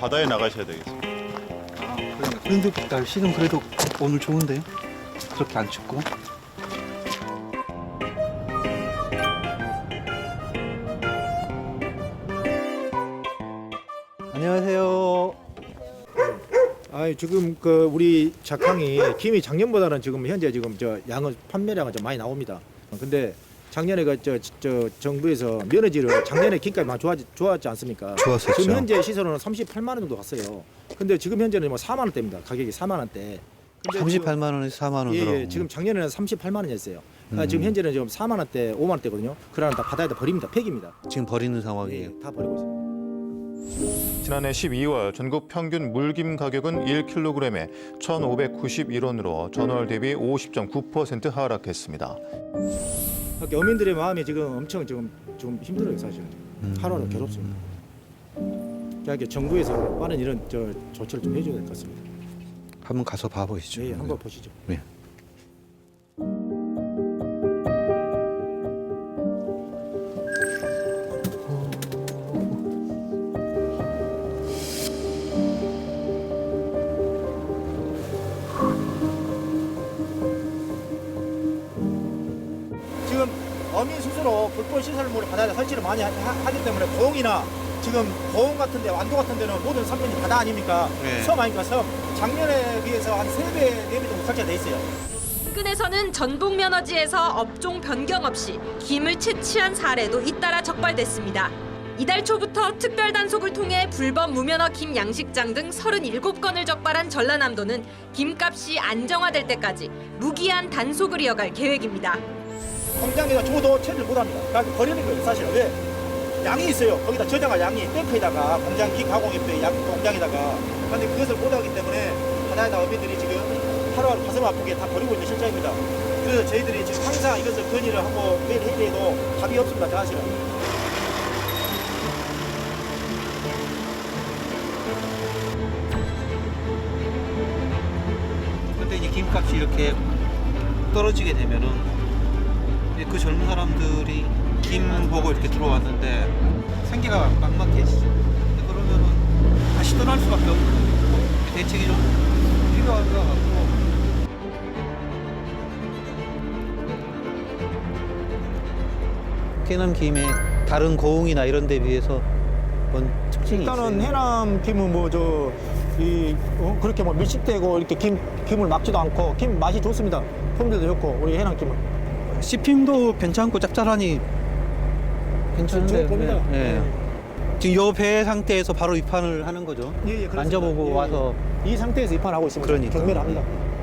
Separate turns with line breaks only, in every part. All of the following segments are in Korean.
바다에 나가셔야 되겠습니다.
그런데 날씨는 그래도 오늘 좋은데 그렇게 안 춥고. 안녕하세요.
지금 그 우리 작황이 김이 작년보다는 지금 현재 지금 저 양은 판매량은 좀 많이 나옵니다. 근데 작년에 저 정부에서 면허지를 작년에 김값이 많이 좋았지 않습니까?
좋았었죠.
지금 현재 시세로는 38만 원 정도 갔어요. 근데 지금 현재는 뭐 4만 원대입니다. 가격이 4만 원대. 근데
38만 원에서 4만 원으로.
예, 지금 작년에는 38만 원이었어요. 지금 현재는 지금 4만 원대, 5만 원대거든요. 그러나 다 바다에다 버립니다. 폐기입니다.
지금 버리는 상황이에요.
예, 다 버리고 있습니다.
지난해 12월 전국 평균 물김 가격은 1kg에 1,591원으로 전월 대비 50.9% 하락했습니다.
그러니까 어민들의 마음이 지금 엄청 좀 힘들어요, 사실은. 하루하루 괴롭습니다. 그러니까 정부에서 많은 이런 조치를 좀 해줘야 될 것 같습니다.
한번 가서 봐보시죠.
네, 한번 보시죠.
네.
지금 어민 스스로 불법 시설물을 바다에 설치를 많이 하기 때문에 고흥이나 지금 고흥 같은 데, 완도 같은 데는 모든 섬면이 바다 아닙니까?
네.
섬 아닙니까? 섬. 작년에 비해서 한 3배, 4배 정도 설치가 돼 있어요.
인근에서는 전북 면허지에서 업종 변경 없이 김을 채취한 사례도 잇따라 적발됐습니다. 이달 초부터 특별 단속을 통해 불법 무면허 김 양식장 등 37건을 적발한 전라남도는 김값이 안정화될 때까지 무기한 단속을 이어갈 계획입니다.
공장에다 줘도 처리를 못합니다. 그러니까 버리는 거예요, 사실은. 왜? 양이 있어요. 거기다 저장할 양이 탱크에다가 공장 기 가공협회 양 공장에다가. 그런데 그것을 못하기 때문에 바다에다 어민들이 지금 하루하루 가슴 아프게 다 버리고 있는 실정입니다. 그래서 저희들이 지금 항상 이것을 건의를 하고 매일 회의해도 답이 없습니다, 사실은.
근데 이제 김값이 이렇게 떨어지게 되면은 이제 그 젊은 사람들이 김 보고 이렇게 들어왔는데 생계가 막막해지죠. 근데 그러면은 다시 떠날 수밖에 없는 대책이 좀 필요한 것 같고. 해남 김에 다른 고흥이나 이런 데 비해서 뭔 특징이
일단은
있어요?
해남 김은 그렇게 뭐 밀집되고 이렇게 김을 막지도 않고 김 맛이 좋습니다. 품질도 좋고 우리 해남 김은.
씹힘도 괜찮고 짭짤하니 괜찮은데.
좋은 겁니다.
네. 지금 요 배 상태에서 바로 입판을 하는 거죠.
예, 그렇습니다.
만져보고
예,
와서.
이 상태에서 입판하고 있습니다.
그러니까.
경매를 합니다.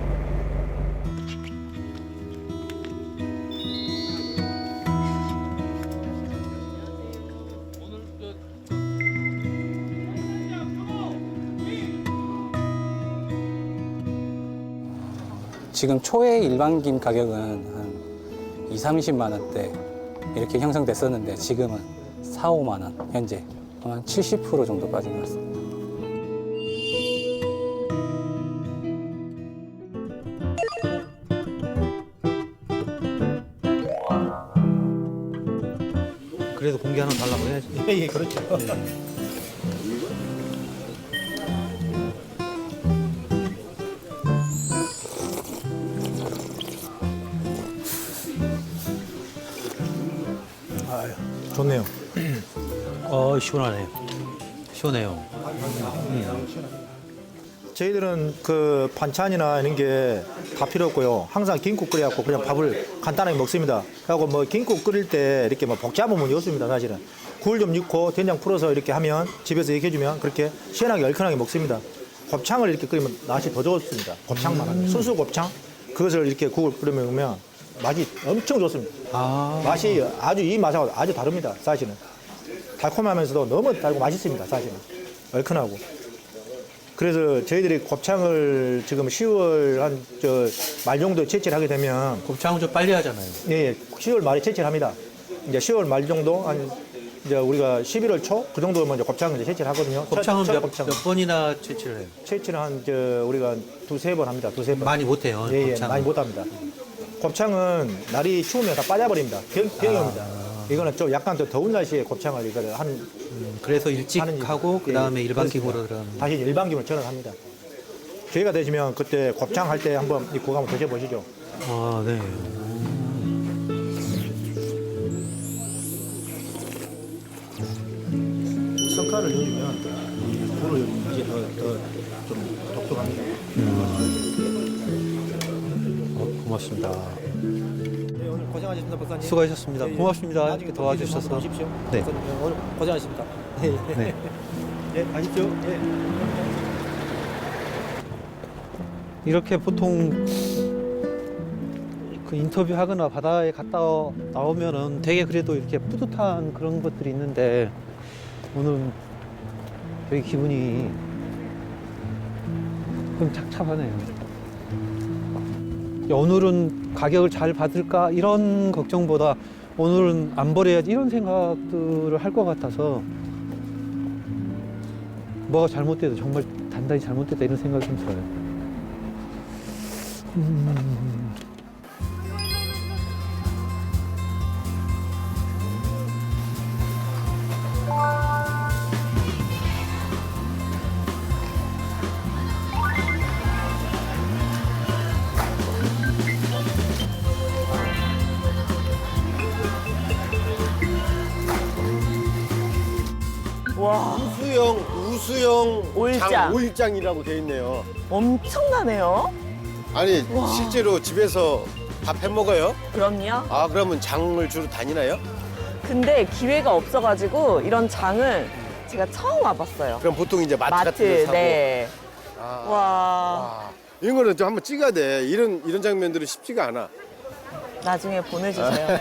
지금 초의 일반 김 가격은 한 2, 30만 원대 이렇게 형성됐었는데 지금은 4, 5만 원 현재 한 70% 정도 빠진 것 같습니다.
그래도 공개 하나 달라고 해야지.
예, 그렇죠. 아유, 좋네요.
시원하네. 시원해요.
저희들은 그 반찬이나 이런 게 다 필요 없고요. 항상 김국 끓여갖고 그냥 밥을 간단하게 먹습니다. 그리고 뭐 김국 끓일 때 이렇게 뭐 복잡한 문이 없습니다, 사실은. 굴 좀 넣고 된장 풀어서 이렇게 하면 집에서 이렇게 해주면 그렇게 시원하게 얼큰하게 먹습니다. 곱창을 이렇게 끓이면 맛이 더 좋습니다. 곱창만 하면. 순수 곱창 그것을 이렇게 국을 끓이면 맛이 엄청 좋습니다. 맛이 이 맛하고 아주 다릅니다, 사실은. 달콤하면서도 너무 달고 맛있습니다, 사실은. 얼큰하고. 그래서 저희들이 곱창을 지금 10월 한 말 정도 채취를 하게 되면
곱창은 좀 빨리 하잖아요.
예, 10월 말에 채취를 합니다. 이제 10월 말 정도 한 이제 우리가 11월 초 그 정도면 이제 곱창을 이제 채취를 하거든요.
곱창은
첫
몇
곱창.
번이나 채취를 해요?
채취를 한 우리가 두세 번 합니다. 두세 번.
많이 못해요.
예, 예,
곱창은.
많이 못 합니다. 곱창은 날이 추우면 다 빠져버립니다. 병이 옵니다. 이거는 좀 약간 더 더운 날씨에 곱창을 이거를 한
그래서 일찍
하는 일.
하고 그 다음에
예,
일반
그렇습니다.
기구로 들어가는.
다시 일반기로 전환합니다. 기회가 되시면 그때 곱창 할 때 한번 이 국 한번 드셔보시죠.
아, 네.
석화를 넣으면 이 굴을 이제 더좀 독특합니다.
고맙습니다.
네, 오늘 고생하셨습니다, 박사님.
수고하셨습니다.
예, 예.
고맙습니다.
나중에
이렇게
또
도와주셔서.
기회 좀 한번 오십시오.
네.
박사님, 오늘 고생하셨습니다. 예,
네.
예, 가십시오. 예.
이렇게 보통 그 인터뷰 하거나 바다에 갔다 나오면은 되게 그래도 이렇게 뿌듯한 그런 것들이 있는데 오늘은 되게 기분이 좀 착잡하네요. 오늘은 가격을 잘 받을까 이런 걱정보다 오늘은 안 버려야지 이런 생각들을 할 것 같아서 뭐가 잘못돼도 정말 단단히 잘못됐다 이런 생각이 좀 들어요.
와,
우수영
오일장.
장 오일장이라고 돼 있네요.
엄청나네요.
아니 실제로 집에서 밥 해 먹어요?
그럼요.
아 그러면 장을 주로 다니나요?
근데 기회가 없어가지고 이런 장을 제가 처음 와봤어요.
그럼 보통 이제 마트 같은 데 사고.
네.
아,
와,
와. 이런 거는 좀 한번 찍어야 돼. 이런 장면들은 쉽지가 않아.
나중에 보내주세요.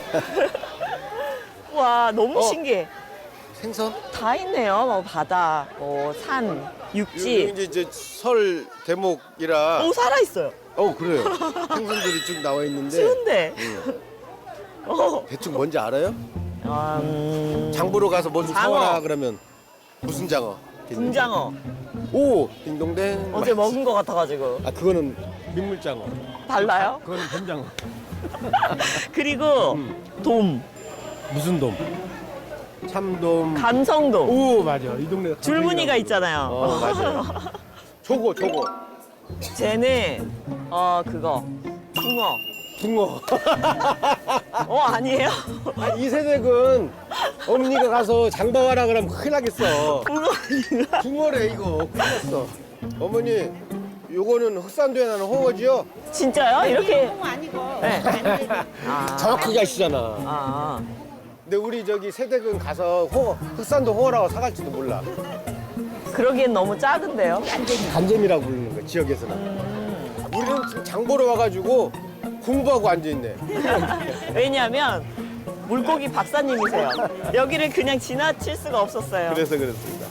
와, 너무
어.
신기해.
생선?
다 있네요. 뭐 바다, 뭐 산,
여기
육지.
이제 설 대목이라.
오, 살아있어요.
그래요. 생선들이 쭉 나와 있는데
쉬운데. 어.
대충 뭔지 알아요? 장 보러 가서 뭐 좀
장어.
사와라 그러면 무슨 장어?
붕장어.
오 딩동댕.
어제 먹은 거 같아가지고.
아 그거는 민물장어.
달라요?
그거는 뱀장어.
그리고 돔,
무슨 돔? 참돔.
감성돔.
오 맞아. 이 동네
줄무늬가 있잖아요.
맞아요. 저거.
쟤는 그거 붕어.
붕어.
아니에요?
아니, 이 세댁은 어머니가 가서 장봐와라 그러면 큰일 나겠어.
붕어.
붕어래 이거. 큰일 났어. 어머니 요거는 흑산도에 나는 홍어지요?
진짜요? 이렇게?
아니고
네.
아.
정확하게 아시잖아.
아,
근데 우리 저기 세댁은 가서 흑산도 홍어라고 사갈지도 몰라.
그러기엔 너무 작은데요?
간잼이라고 부르는 거야 지역에서는. 우리는 지금 장 보러 와가지고 공부하고 앉아있네.
왜냐하면 물고기 박사님이세요. 여기를 그냥 지나칠 수가 없었어요.
그래서 그렇습니다.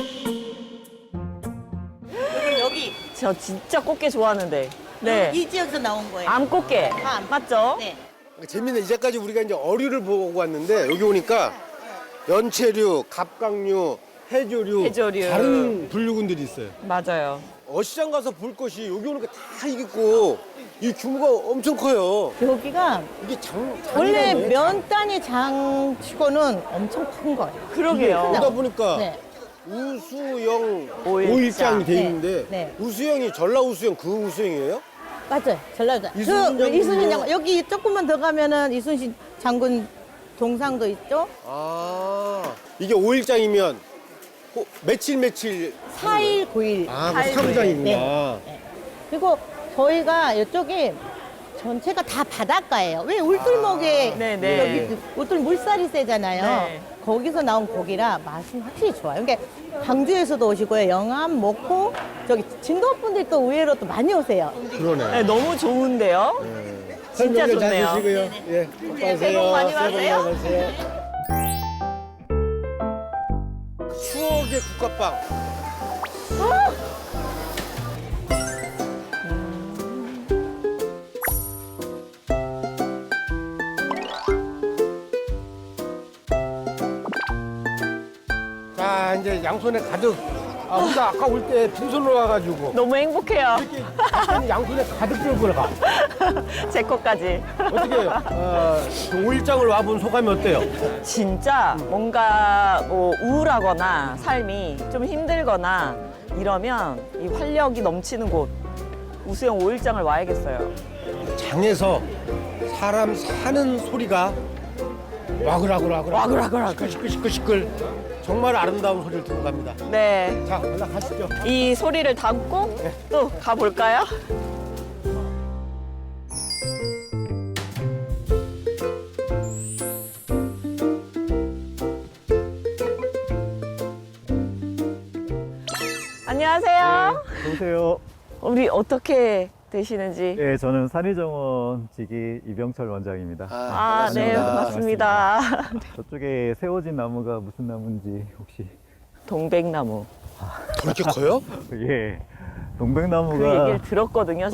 여기
저 진짜 꽃게 좋아하는데. 네.
이 지역에서 나온 거예요.
암꽃게.
암.
맞죠?
네.
재밌네. 이제까지 우리가 이제 어류를 보고 왔는데 여기 오니까 연체류, 갑각류, 해조류,
해조류.
다른 분류군들이 있어요.
맞아요.
어시장 가서 볼 것이 여기 오니까 다 있고 이 규모가 엄청 커요.
여기가
이게 장이라네.
원래 면 단위 장치고는 엄청 큰 거예요.
그러게요.
오다 보니까
네.
우수영
오일장.
오일장이 돼
네,
있는데
네.
우수영이 전라 우수영 그 우수영이에요?
맞아요. 전라도.
이순신 장군요?
이순신 장군. 여기 조금만 더 가면은 이순신 장군 동상도 있죠.
아 이게 오일장이면 며칠
4일, 9일.
아,
사일
그 사무장이구나.
네. 그리고 저희가 이쪽에 전체가 다 바닷가예요. 왜 울tur목에
네, 네.
여기 울tur 물살이 세잖아요.
네.
거기서 나온 고기라 맛은 확실히 좋아요. 그러니까 광주에서도 오시고요. 영암, 목포, 저기 진도 분들이 또 의외로 또 많이 오세요.
그러네.
네, 너무 좋은데요? 진짜
설명을 잘
좋네요.
드시고요. 예,
새해 복 많이 받으세요.
받으세요. 추억의 국밥빵. 자, 이제 양손에 가득 우리가 아까 올 때 빈손으로 와가지고
너무 행복해요.
이렇게 양손에 가득 들고 가.
제 거까지.
어떻게 오일장을 와본 소감이 어때요?
진짜 뭔가 뭐 우울하거나 삶이 좀 힘들거나 이러면 이 활력이 넘치는 곳 우수영 5일장을 와야겠어요.
장에서 사람 사는 소리가 와글와글 시끌시끌 정말 아름다운 소리를 듣고 갑니다.
네.
자, 올라가시죠.
이 소리를 담고 또 가볼까요? 안녕하세요.
안녕하세요.
우리 어떻게 되시는지.
네, 저는 산의정원 지기 이병철 원장입니다.
아, 네, 반갑습니다.
저쪽에 세워진 나무가 무슨 나무인지 혹시?
동백나무.
그렇게 커요?
예,
그
동백나무가
얘기를 들었거든요,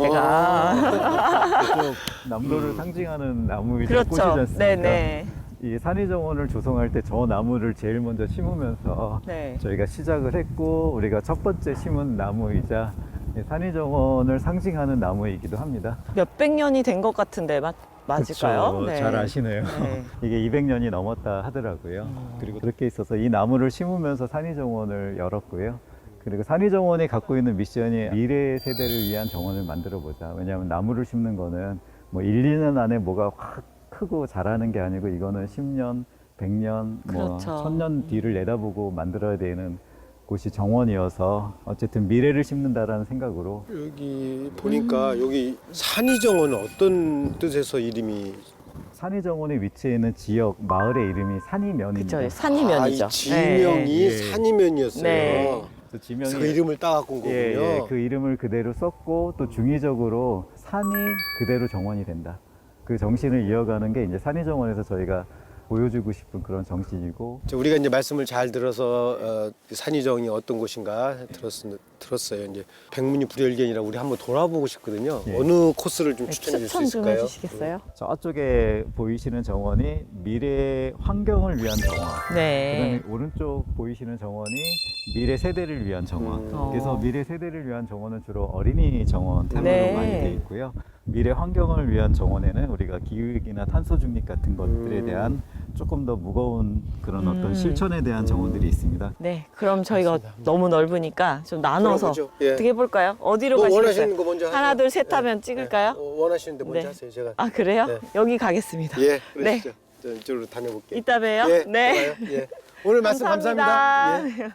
제가.
그쪽 남도를 상징하는 나무이자 꽃이지
그렇죠.
않습니까?
네네.
이 산의정원을 조성할 때 저 나무를 제일 먼저 심으면서
네.
저희가 시작을 했고, 우리가 첫 번째 심은 나무이자 이 산의정원을 상징하는 나무이기도 합니다.
몇백 년이 된 것 같은데 맞을까요?
그쵸, 잘 아시네요.
네.
이게 200년이 넘었다 하더라고요. 그리고 그렇게 있어서 이 나무를 심으면서 산의정원을 열었고요. 그리고 산의정원이 갖고 있는 미션이 미래 세대를 위한 정원을 만들어 보자. 왜냐하면 나무를 심는 거는 뭐 1, 2년 안에 뭐가 확 크고 자라는 게 아니고 이거는 10년, 100년, 뭐
그렇죠.
1000년 뒤를 내다보고 만들어야 되는 곳이 정원이어서 어쨌든 미래를 심는다라는 생각으로
여기 보니까 여기 산의정원은 어떤 뜻에서 이름이
산의정원에 위치해 있는 지역 마을의 이름이 산이면입니다.
그쵸, 산이면이죠.
이 지명이
네.
산이면이었어요.
네.
그래서 지명이
그래서 그 이름을 따갖고 온 거군요.
예, 그 이름을 그대로 썼고 또 중의적으로 산이 그대로 정원이 된다. 그 정신을 이어가는 게 이제 산의정원에서 저희가 보여주고 싶은 그런 정신이고.
우리가 이제 말씀을 잘 들어서 산의정이 어떤 곳인가 들었어요. 이제 백문이 불여일견이라 우리 한번 돌아보고 싶거든요.
예.
어느 코스를 좀 추천해 줄 수
추천 좀
있을까요?
해주시겠어요?
저쪽에 보이시는 정원이 미래 환경을 위한 정원.
네.
그다음에 오른쪽 보이시는 정원이 미래 세대를 위한 정원. 그래서 미래 세대를 위한 정원은 주로 어린이 정원 테마로
네.
많이 되어 있고요. 미래 환경을 위한 정원에는 우리가 기후위기나 탄소 중립 같은 것들에 대한 조금 더 무거운 그런 어떤 실천에 대한 정원들이 있습니다.
네, 그럼 저희가 너무 넓으니까 좀 나눠서
그럼 그죠? 예.
어떻게 해볼까요? 어디로
뭐
가시겠어요?
원하시는 거 먼저
하나,
하세요.
둘, 셋 하면 찍을까요?
원하시는데 먼저
네.
하세요. 제가
아, 그래요?
네.
여기 가겠습니다.
예, 그러시죠. 저 이쪽으로 다녀볼게요.
이따 봬요.
예,
네.
좋아요. 예. 오늘 말씀 감사합니다. 예.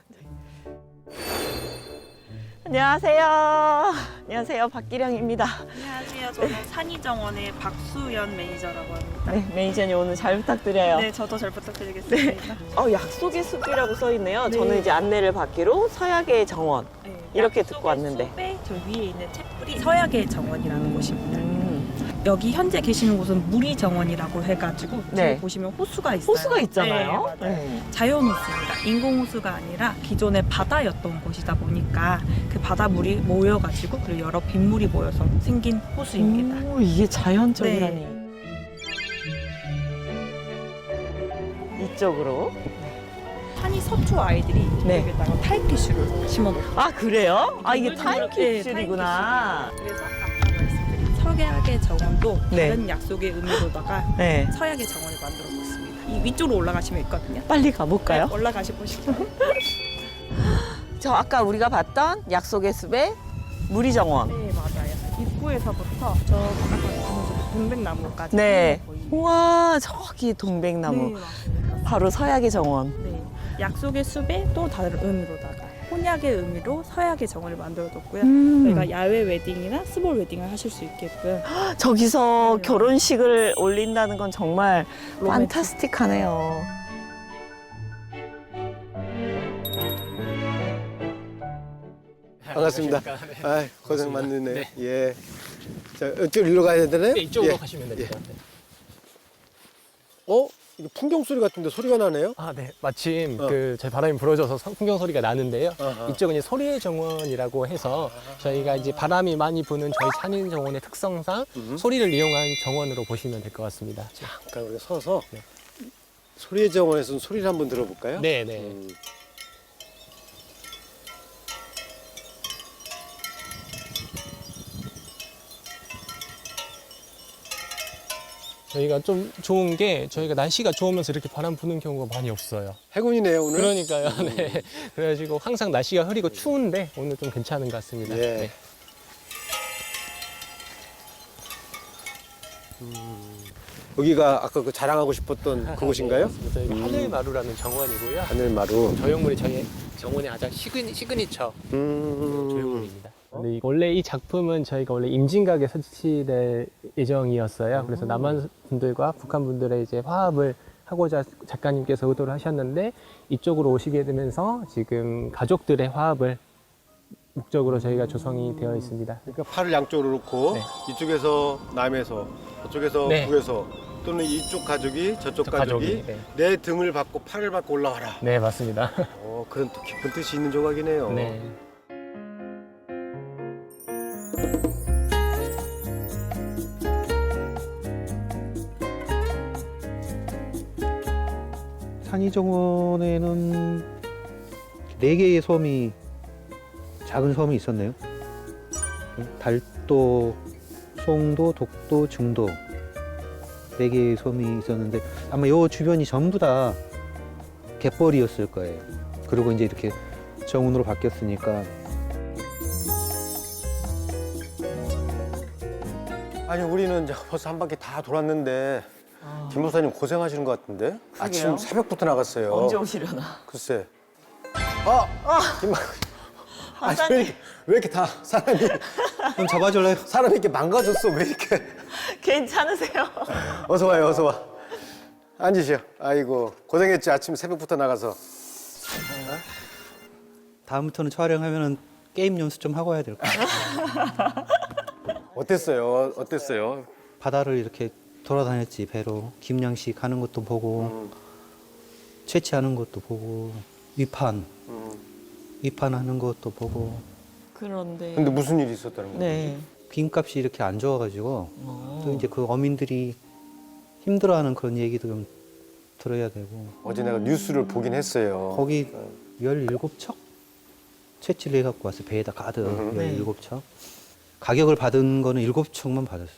안녕하세요. 안녕하세요. 박기령입니다.
안녕하세요. 저는 산의정원의 박수연 매니저라고 합니다.
네, 매니저님 오늘 잘 부탁드려요.
네, 저도 잘 부탁드리겠습니다.
약속의 숲이라고 써 있네요.
네.
저는 이제 안내를 받기로 서약의 정원
네,
이렇게
약속의
듣고 왔는데.
숲에 저 위에 있는 채뿌리 서약의 정원이라는 곳입니다. 여기 현재 계시는 곳은 무리정원이라고 해가지고
네.
뒤에 보시면 호수가 있어요.
호수가 있잖아요.
네, 맞아요. 자연 호수입니다. 인공 호수가 아니라 기존의 바다였던 곳이다 보니까 그 바다물이 모여가지고 그리고 여러 빗물이 모여서 생긴 호수입니다.
오, 이게 자연적이라니. 이쪽으로.
산이 서초 아이들이
네.
여기다가 타임캡슐을 심어놓고
아, 그래요? 아, 이게
네,
타임캡슐이구나.
그래서 아까 말씀드린 서약의 정원도
네.
다른 약속의 의미로다가
네.
서약의 정원을 만들어 봤습니다. 이 위쪽으로 올라가시면 있거든요.
빨리 가볼까요?
네, 올라가시 보시죠.
저 아까 우리가 봤던 약속의 숲의 무리정원.
네, 맞아요. 입구에서부터 저 아까 보는 동백나무까지
네.
보이는
우와, 저기 동백나무.
네, 맞습니다.
바로 서약의 정원.
네. 약속의 숲에 또 다른 의미로다가 혼약의 의미로 서약의 정원을 만들어뒀고요. 저희가 야외 웨딩이나 스몰 웨딩을 하실 수 있게끔
저기서
네.
결혼식을 올린다는 건 정말
로맨틱.
판타스틱하네요.
반갑습니다. 아, 고생 많으네요. 예. 자, 이쪽으로 가야 되나요?
네, 이쪽으로
예.
가시면 됩니다. 네.
이거 풍경 소리 같은데 소리가 나네요?
아, 네. 마침 저희 바람이 불어줘서 풍경 소리가 나는데요.
아하.
이쪽은 이제 소리의 정원이라고 해서 저희가 이제 바람이 많이 부는 저희 산인 정원의 특성상 소리를 이용한 정원으로 보시면 될 것 같습니다.
잠깐 우리가 서서
네.
소리의 정원에서는 소리를 한번 들어볼까요?
네, 네. 저희가 좀 좋은 게 저희가 날씨가 좋으면서 이렇게 바람 부는 경우가 많이 없어요.
행운이네요 오늘.
그러니까요. 네. 그래가지고 항상 날씨가 흐리고 추운데 오늘 좀 괜찮은 것 같습니다.
예.
네.
여기가 아까 그 자랑하고 싶었던 그곳인가요?
맞습니다. 저희가 하늘마루라는 정원이고요.
하늘마루.
조형물이 저희 정원의 가장 시그니처 조형물입니다. 근데 원래 이 작품은 저희가 원래 임진각에 설치될 예정이었어요. 그래서 남한 분들과 북한 분들의 이제 화합을 하고자 작가님께서 의도를 하셨는데 이쪽으로 오시게 되면서 지금 가족들의 화합을 목적으로 저희가 조성이 되어 있습니다.
그러니까 팔을 양쪽으로 놓고
네.
이쪽에서 남에서 저쪽에서
네.
북에서 또는 이쪽 가족이 저쪽
저
가족이
가족이, 네.
내 등을 받고 팔을 받고 올라와라.
네, 맞습니다.
그런 또 깊은 뜻이 있는 조각이네요.
네.
산이정원에는 4개의 섬이 작은 섬이 있었네요. 달도, 송도, 독도, 증도 4개의 섬이 있었는데 아마 이 주변이 전부 다 갯벌이었을 거예요. 그리고 이제 이렇게 정원으로 바뀌었으니까.
아니 우리는 이제 벌써 한 바퀴 다 돌았는데 김 목사님 고생하시는 것 같은데? 아침 새벽부터 나갔어요.
언제 오시려나?
글쎄. 김 아니, 왜 이렇게 다 사람이
좀 잡아줄래요?
사람이 이렇게 망가졌어. 왜 이렇게?
괜찮으세요?
어서 와요, 어서 와. 앉으시오. 아이고 고생했지. 아침 새벽부터 나가서.
다음부터는 촬영하면은 게임 연습 좀 하고 해야 될 것 같아요.
어땠어요? 어땠어요?
바다를 이렇게 돌아다녔지, 배로. 김양식 하는 것도 보고, 채취하는 것도 보고, 위판하는 것도 보고.
그런데.
근데 무슨 일이 있었다는 거예요?
네.
빈값이 이렇게 안 좋아가지고, 또 이제 그 어민들이 힘들어하는 그런 얘기도 좀 들어야 되고.
어제 내가 뉴스를 보긴 했어요.
거기 17척? 채취를 해갖고 왔어요. 배에다 가득
네.
17척. 가격을 받은 거는 7척만 받았어.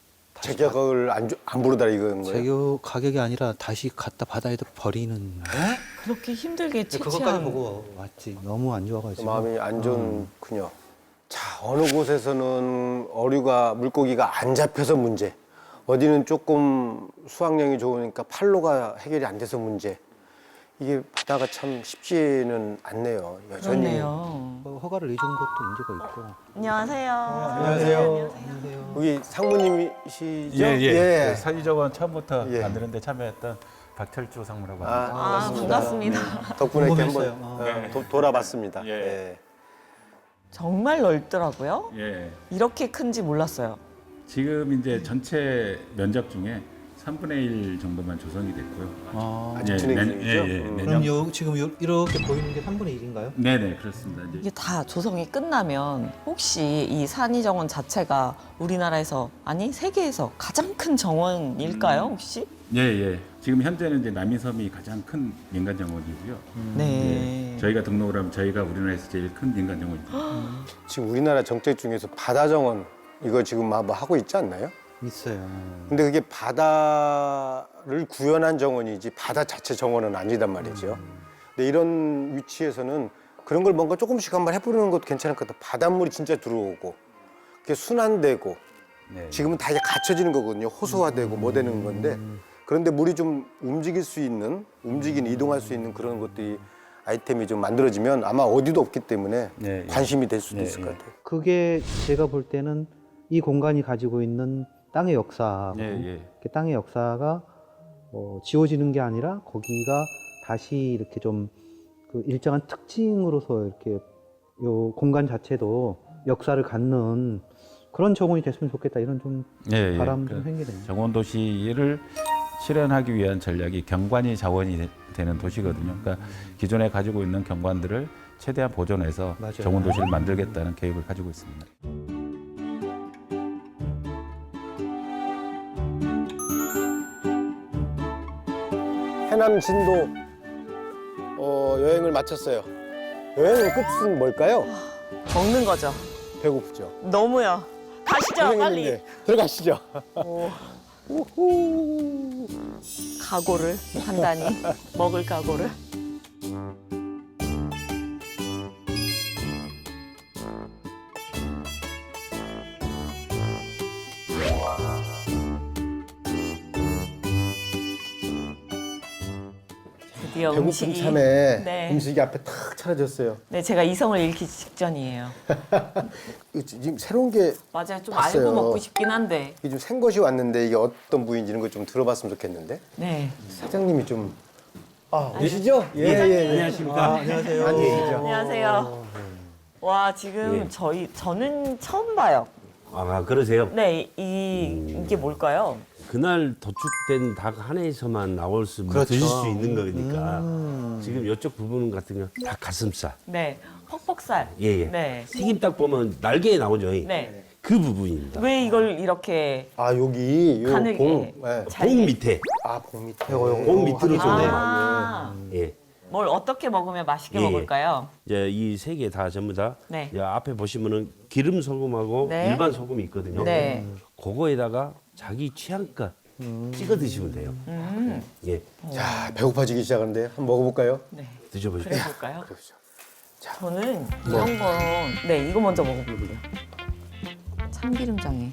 재격을 안 부르다 이건 거예요?
재교 가격이 아니라 다시 갖다 바다에다 버리는.
그렇게 힘들게
그것까지
채취한.
보고 왔지. 너무 안 좋아가지고.
마음이 안 좋군요. 자, 어느 곳에서는 어류가 물고기가 안 잡혀서 문제, 어디는 조금 수확량이 좋으니까 팔로가 해결이 안 돼서 문제. 이게 바다가 참 쉽지는 않네요. 여전히.
그렇네요.
허가를 내준 것도 문제가 있고.
안녕하세요.
안녕하세요. 여기 상무님이시죠?
예. 산이정원 처음부터
예.
만드는데 참여했던 박철주 상무라고
아,
합니다.
반갑습니다.
덕분에 이렇게
궁금했어요.
한번 돌아봤습니다.
예.
예.
정말 넓더라고요.
예.
이렇게 큰지 몰랐어요.
지금 이제 전체 면적 중에 3분의 1 정도만 조성이 됐고요.
아직 진행 중이죠?
그럼 지금 이렇게 보이는 게 3분의 1인가요?
네네 그렇습니다. 이제
이게 다 조성이 끝나면 혹시 이 산이정원 자체가 우리나라에서 아니 세계에서 가장 큰 정원일까요 혹시?
예. 지금 현재는 이제 남이섬이 가장 큰 민간 정원이고요.
네.
예. 저희가 등록을 하면 저희가 우리나라에서 제일 큰 민간 정원입니다.
지금 우리나라 정책 중에서 바다 정원 이거 지금 뭐 하고 있지 않나요?
있어요.
근데 그게 바다를 구현한 정원이지 바다 자체 정원은 아니단 말이죠. 근데 이런 위치에서는 그런 걸 뭔가 조금씩 한번 해보는 것도 괜찮을 것 같아요. 바닷물이 진짜 들어오고 그게 순환되고
네.
지금은 다 이제 갖춰지는 거거든요. 호수화되고 뭐 되는 건데 그런데 물이 좀 움직일 수 있는 이동할 수 있는 그런 것들이 아이템이 좀 만들어지면 아마 어디도 없기 때문에
네, 예.
관심이 될 수도
네,
있을 것
예.
같아요.
그게 제가 볼 때는 이 공간이 가지고 있는 땅의 역사,
예.
땅의 역사가 지워지는 게 아니라 거기가 다시 이렇게 좀 그 일정한 특징으로서 이렇게 요 공간 자체도 역사를 갖는 그런 정원이 됐으면 좋겠다 이런 좀
예.
바람 좀 생기네요.
정원 도시를 실현하기 위한 전략이 경관이 자원이 되는 도시거든요. 그러니까 기존에 가지고 있는 경관들을 최대한 보존해서
맞아요.
정원 도시를 만들겠다는 계획을 가지고 있습니다.
해남 진도 여행을 마쳤어요. 여행의 끝은 뭘까요?
먹는 거죠.
배고프죠.
너무요. 가시죠 빨리.
고생했는데 들어가시죠.
각오를 판단히 먹을 각오를. 드디어
배고픈
음식이
참에
네.
음식이 앞에 탁 차려졌어요.
네, 제가 이성을 잃기 직전이에요.
이거 지금 새로운 게
맞아요. 좀
봤어요.
알고 먹고 싶긴 한데.
이게 좀 생것이 왔는데 이게 어떤 부위인지 이런 거 좀 들어봤으면 좋겠는데.
네.
사장님이 좀 계시죠? 예.
안녕하십니까?
안녕하세요.
아니시죠?
안녕하세요. 와, 지금
예.
저는 처음 봐요.
아, 그러세요?
네, 이게 뭘까요?
그날 도축된 닭 하나에서만 나올 수
그렇죠.
드실 수 있는 거니까 지금 이쪽 부분 같은 거 닭 가슴살.
네, 퍽퍽살.
예.
네.
튀김닭 보면 날개에 나오죠.
네.
그 부분입니다.
왜 이걸 이렇게
아 여기 요
가늘게
봉. 네.
잘게.
봉 밑에.
아, 봉 밑에.
봉 밑으로 좀 해요.
아,
예.
뭘 어떻게 먹으면 맛있게
예.
먹을까요?
이제 이 세 개 다 전부 다
네.
이제 앞에 보시면은 기름 소금하고
네.
일반 소금이 있거든요.
네.
그거에다가 자기 취향껏 찍어 드시면 돼요. 예.
자, 배고파지기 시작하는데 한번 먹어볼까요?
네.
드셔보십시오.
그래 볼까요?
그러죠.
저는 이런 건 네, 이거 먼저 먹어볼게요. 참기름장에.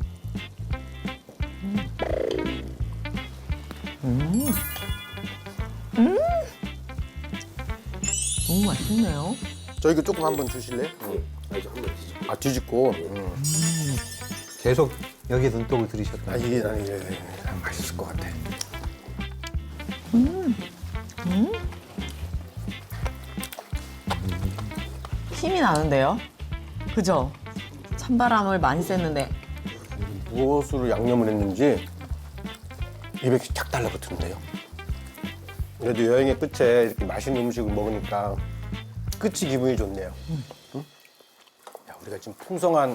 너무 맛있네요.
저 이거 조금 한번 주실래요? 아, 뒤집고.
계속 여기에 눈독을 들이셨다.
아, 이게 나는 이게 맛있을 것 같아.
힘이 나는데요? 그죠? 찬바람을 많이 쐈는데
무엇으로 양념을 했는지 입에 쫙 달라붙는데요. 그래도 여행의 끝에 이렇게 맛있는 음식을 먹으니까 끝이 기분이 좋네요. 응? 야, 우리가 지금 풍성한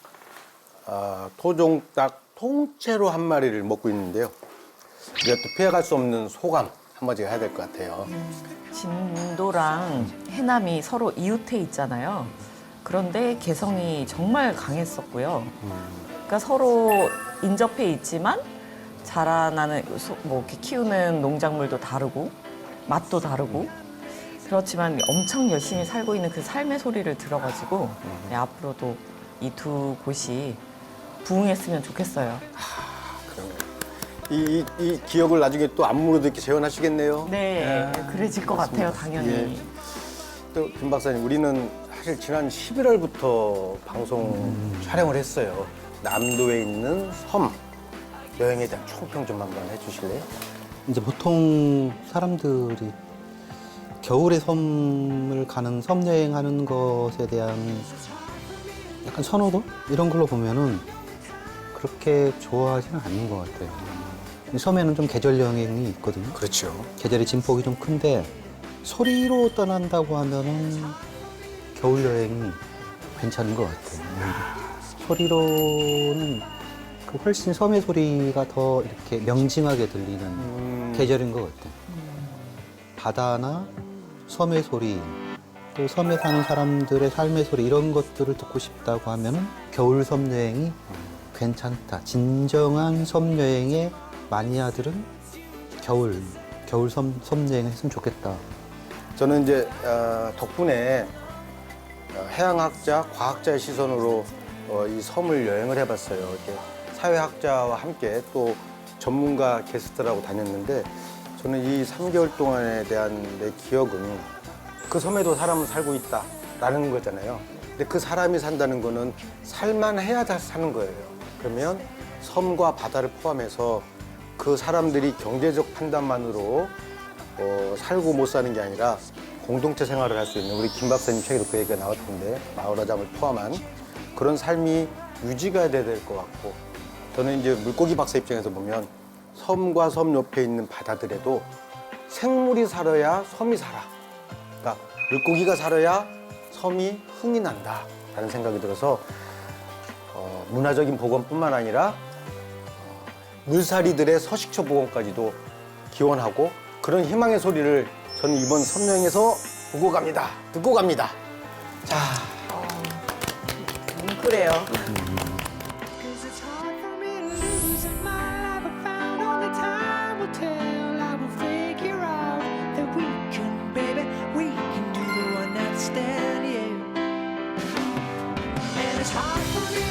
토종닭 통째로 한 마리를 먹고 있는데요. 우리가 또 피해갈 수 없는 소감 한마디 해야 될 것 같아요.
진도랑 해남이 서로 이웃해 있잖아요. 그런데 개성이 정말 강했었고요. 그러니까 서로 인접해 있지만 자라나는 뭐 이렇게 키우는 농작물도 다르고 맛도 다르고 그렇지만 엄청 열심히 살고 있는 그 삶의 소리를 들어가지고 네, 앞으로도 이 두 곳이 부흥했으면 좋겠어요.
이 기억을 나중에 또 안무로도 이렇게 재현하시겠네요.
네, 그래질 것 같아요, 당연히.
예. 또 김 박사님, 우리는 사실 지난 11월부터 방송 촬영을 했어요. 남도에 있는 섬 여행에 대한 총평 좀 한번 해주실래요?
이제 보통 사람들이 겨울에 섬을 가는 섬 여행하는 것에 대한 약간 선호도 이런 걸로 보면은 그렇게 좋아하지는 않는 것 같아요. 섬에는 좀 계절 여행이 있거든요.
그렇죠.
계절의 진폭이 좀 큰데 소리로 떠난다고 하면은 겨울 여행이 괜찮은 것 같아요. 소리로는 그 훨씬 섬의 소리가 더 이렇게 명징하게 들리는 계절인 것 같아요. 바다나 섬의 소리, 또 섬에 사는 사람들의 삶의 소리 이런 것들을 듣고 싶다고 하면은 겨울 섬 여행이 괜찮다. 진정한 섬 여행의 마니아들은 겨울 섬 여행을 했으면 좋겠다.
저는 이제 덕분에 해양학자, 과학자의 시선으로 이 섬을 여행을 해봤어요. 이렇게 사회학자와 함께 또 전문가 게스트라고 다녔는데 저는 이 3개월 동안에 대한 내 기억은 그 섬에도 사람은 살고 있다라는 거잖아요. 근데 그 사람이 산다는 거는 살만해야 사는 거예요. 그러면 섬과 바다를 포함해서 그 사람들이 경제적 판단만으로 살고 못 사는 게 아니라 공동체 생활을 할 수 있는 우리 김 박사님 책에도 그 얘기가 나왔던데 마을화장을 포함한 그런 삶이 유지가 돼야 될 것 같고 저는 이제 물고기 박사 입장에서 보면 섬과 섬 옆에 있는 바다들에도 생물이 살아야 섬이 살아. 그러니까 물고기가 살아야 섬이 흥이 난다라는 생각이 들어서 문화적인 복원뿐만 아니라 물살이들의 서식처 복원까지도 기원하고 그런 희망의 소리를 저는 이번 섬여행에서 보고 갑니다. 듣고 갑니다. 자,
그래요.
작품이